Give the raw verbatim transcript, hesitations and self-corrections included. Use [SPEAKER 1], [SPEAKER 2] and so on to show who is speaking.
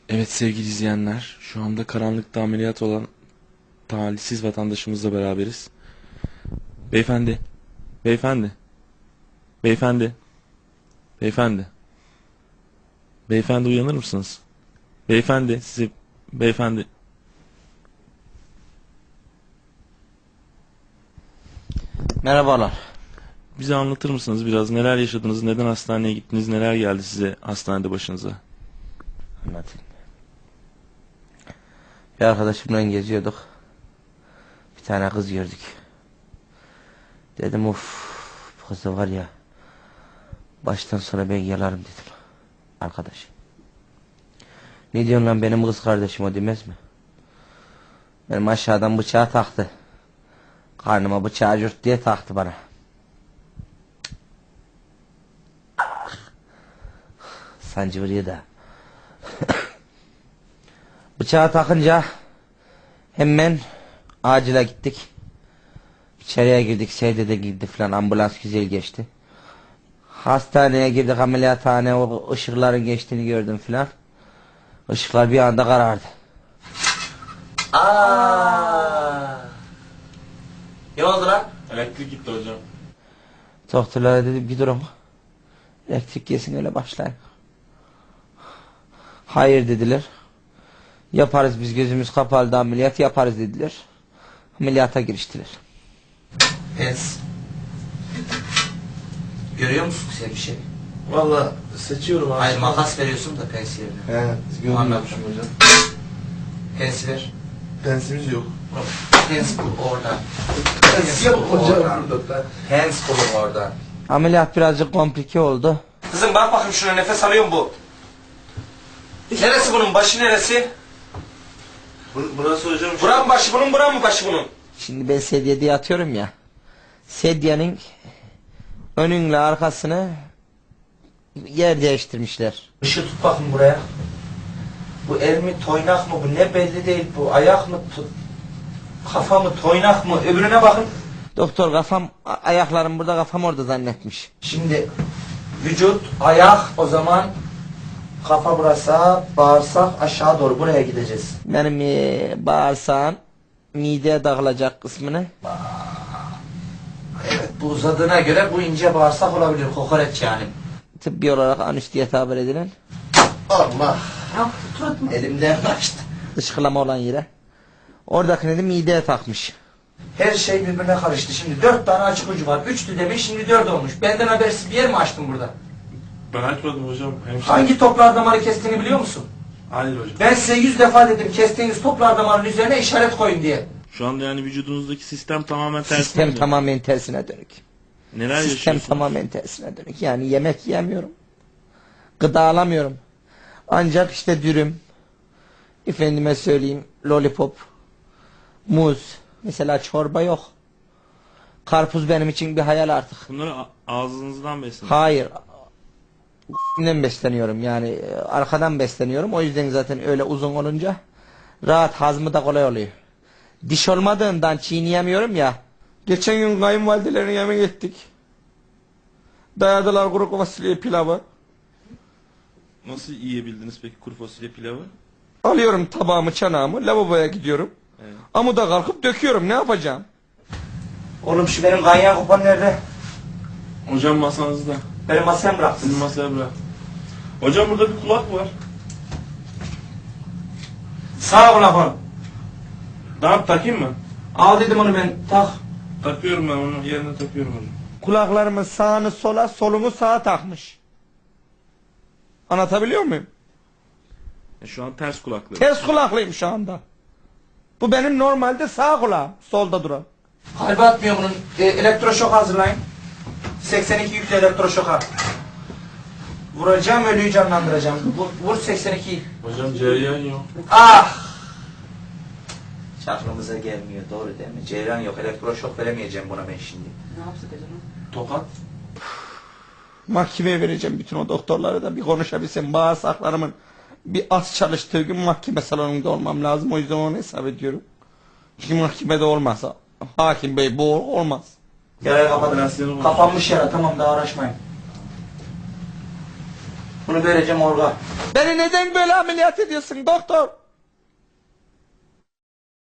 [SPEAKER 1] Evet sevgili izleyenler, şu anda karanlıkta ameliyat olan talihsiz vatandaşımızla beraberiz. Beyefendi, beyefendi, beyefendi, beyefendi, beyefendi uyanır mısınız? Beyefendi, sizi, beyefendi.
[SPEAKER 2] Merhabalar.
[SPEAKER 1] Bize anlatır mısınız biraz neler yaşadınız, neden hastaneye gittiniz, neler geldi size hastanede başınıza?
[SPEAKER 2] Anlatayım. Bir arkadaşımla geziyorduk. Bir tane kız gördük. Dedim of, bu kızı var ya, baştan sona ben yalarım dedim. Arkadaş. Ne diyorsun lan, benim kız kardeşim o demez mi? Benim aşağıdan bıçağı taktı. Karnıma bıçağı cürt diye taktı bana. Sancı vuruyor da. Bıçağı takınca hemen acile gittik. İçeriye girdik, seydede girdi falan, ambulans güzel geçti. Hastaneye girdik, ameliyathane, o ışıkların geçtiğini gördüm falan. Işıklar bir anda karardı. Aa! Ne oldu lan?
[SPEAKER 1] Elektrik gitti hocam.
[SPEAKER 2] Doktorlara dedim bir durun. Elektrik yesin öyle başlayın. Hayır dediler. Yaparız biz, gözümüz kapalı da ameliyat yaparız dediler. Ameliyata giriştiler. Pens. Görüyor musun sen bir şey?
[SPEAKER 3] Valla seçiyorum abi.
[SPEAKER 2] Hayır, makas veriyorsun da pens yerine.
[SPEAKER 3] He, görmüyormuşum hocam.
[SPEAKER 2] Pens ver.
[SPEAKER 3] Pensimiz yok.
[SPEAKER 2] Pens bul oradan.
[SPEAKER 3] Pens yok hocam burada.
[SPEAKER 2] Pens bulun oradan. Ameliyat birazcık komplike oldu. Kızım bak bakayım şuna, nefes alıyor mu bu? Neresi bunun, başı neresi?
[SPEAKER 3] Bu, burası hocam.
[SPEAKER 2] Buran mı başı bunun, buran mı başı bunun? Şimdi ben sedyede yatıyorum ya. Sedyenin önünle arkasını yer değiştirmişler. Işığı tut bakın buraya. Bu el mi, toynak mı, bu ne belli değil, bu ayak mı, kafa mı, toynak mı, öbürüne bakın. Doktor kafam, ayaklarım burada, kafam orada zannetmiş. Şimdi vücut, ayak, o zaman kafa burası, bağırsak aşağı doğru, buraya gideceğiz. Benim e, bağırsağın mideye dağılacak kısmını. Evet, bu uzadığına göre bu ince bağırsak olabilir, kokoreç yani. Tıbbi olarak anüs diye tabir edilen. Allah! Elimden kaçtı. Dışkılama olan yere. Oradakini de mideye takmış. Her şey birbirine karıştı. Şimdi dört tane açık ucu var. Üçtü demiş, şimdi dört olmuş. Benden habersiz bir yer mi açtın burada?
[SPEAKER 1] Ben açmadım hocam. Hemşire.
[SPEAKER 2] Hangi toplar damarı kestiğini biliyor musun?
[SPEAKER 1] Hayır hocam.
[SPEAKER 2] Ben size yüz defa dedim, kestiğiniz toplar damarının üzerine işaret koyun diye.
[SPEAKER 1] Şu anda yani vücudunuzdaki sistem tamamen tersine
[SPEAKER 2] Sistem
[SPEAKER 1] mi?
[SPEAKER 2] tamamen tersine dönük.
[SPEAKER 1] Neler
[SPEAKER 2] Sistem
[SPEAKER 1] yaşıyorsunuz?
[SPEAKER 2] tamamen tersine dönük. Yani yemek yiyemiyorum. Gıda alamıyorum. Ancak işte dürüm, efendime söyleyeyim lollipop, muz, mesela çorba yok. Karpuz benim için bir hayal artık.
[SPEAKER 1] Bunları a- ağzınızdan besleyin.
[SPEAKER 2] Hayır. Ben besleniyorum yani, e, arkadan besleniyorum. O yüzden zaten öyle uzun olunca rahat, hazmı da kolay oluyor. Diş olmadığından çiğneyemiyorum ya. Geçen gün kayınvalidelerine yemek ettik. Dayadılar kuru fasulye pilavı.
[SPEAKER 1] Nasıl yiyebildiniz peki kuru fasulye pilavı?
[SPEAKER 2] Alıyorum tabağımı, çanağımı, lavaboya gidiyorum.
[SPEAKER 1] Evet.
[SPEAKER 2] Amuda kalkıp döküyorum, ne yapacağım? Oğlum şu benim ganyan kupon nerede?
[SPEAKER 1] Hocam masanızda.
[SPEAKER 2] Benim masaya bıraktın.
[SPEAKER 1] Sizin masaya bırak. Hocam burada bir kulak var.
[SPEAKER 2] Sağ kulak.
[SPEAKER 1] Ne yap takayım mı?
[SPEAKER 2] Al dedim onu ben, tak.
[SPEAKER 1] Takıyorum ben onu yerine takıyorum hocam.
[SPEAKER 2] Kulaklarımın sağını sola, solumu sağa takmış. Anlatabiliyor muyum?
[SPEAKER 1] E şu an ters kulaklı.
[SPEAKER 2] Ters kulaklıyım şu anda. Bu benim normalde sağ kulağım, solda duran. Kalbi atmıyor bunun. E, elektroşok hazırlayın. seksen iki yüklü elektroşoka. Vuracağım, ölüyü canlandıracağım. Vur, vur seksen ikiyi.
[SPEAKER 1] Hocam cereyan yok.
[SPEAKER 2] Ah! Hiç aklımıza gelmiyor, doğru değil mi? Ceylan yok, elektroşok veremeyeceğim buna ben şimdi.
[SPEAKER 4] Ne yapsak acaba?
[SPEAKER 1] Tokat.
[SPEAKER 2] Mahkemeye vereceğim bütün o doktorları da bir konuşabilsem. Bağırsaklarımın bir az çalıştığı gün mahkeme salonunda olmam lazım. O yüzden onu hesap ediyorum. Çünkü mahkemede olmazsa hakim bey bu olmaz. Yarayı kapatın. Kapanmış yara, tamam, daha uğraşmayın. Bunu vereceğim orga. Beni neden böyle ameliyat ediyorsun doktor?